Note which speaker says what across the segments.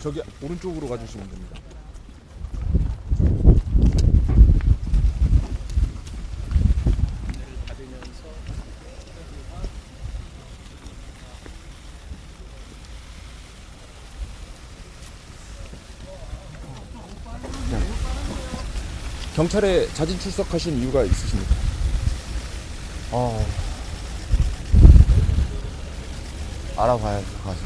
Speaker 1: 저기 오른쪽으로 가주시면 됩니다. 경찰에 자진 출석하신 이유가 있으십니까?
Speaker 2: 알아봐야죠, 가서.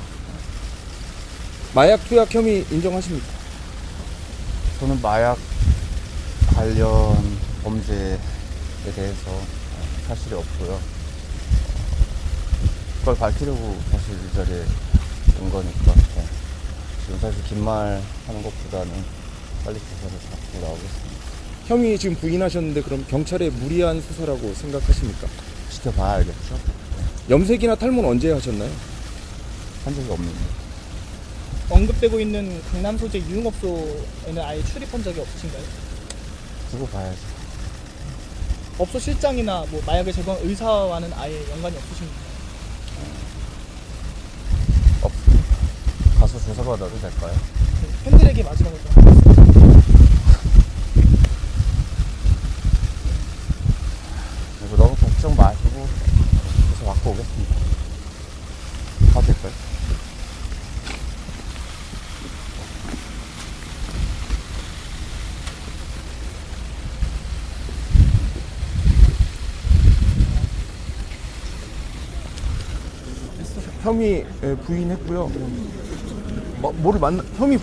Speaker 1: 마약 투약 혐의 인정하십니까?
Speaker 2: 저는 마약 관련 범죄에 대해서 사실이 없고요. 그걸 밝히려고 사실 이 자리에 온 거니까. 지금 사실 긴 말 하는 것보다는 빨리 조사를 받고 나오겠습니다.
Speaker 1: 혐의 지금 부인하셨는데 그럼 경찰의 무리한 수사라고 생각하십니까?
Speaker 2: 지켜봐야 알겠죠?
Speaker 1: 염색이나 탈모는 언제 하셨나요?
Speaker 2: 한 적이 없는데.
Speaker 3: 언급되고 있는 강남 소재 유흥업소에는 아예 출입한 적이 없으신가요?
Speaker 2: 두고 봐야죠.
Speaker 3: 업소 실장이나 뭐 마약을 제공한 의사와는 아예 연관이 없으신가요?
Speaker 2: 없습니다. 가서 조사받아도 될까요?
Speaker 3: 팬들에게 마지막으로 좀 하겠습니다.
Speaker 2: 그리고 너무 걱정 마시고 조사 받고 오겠습니다. 가도 될까요?
Speaker 1: 혐의 부인했고요. 뭐를 혐의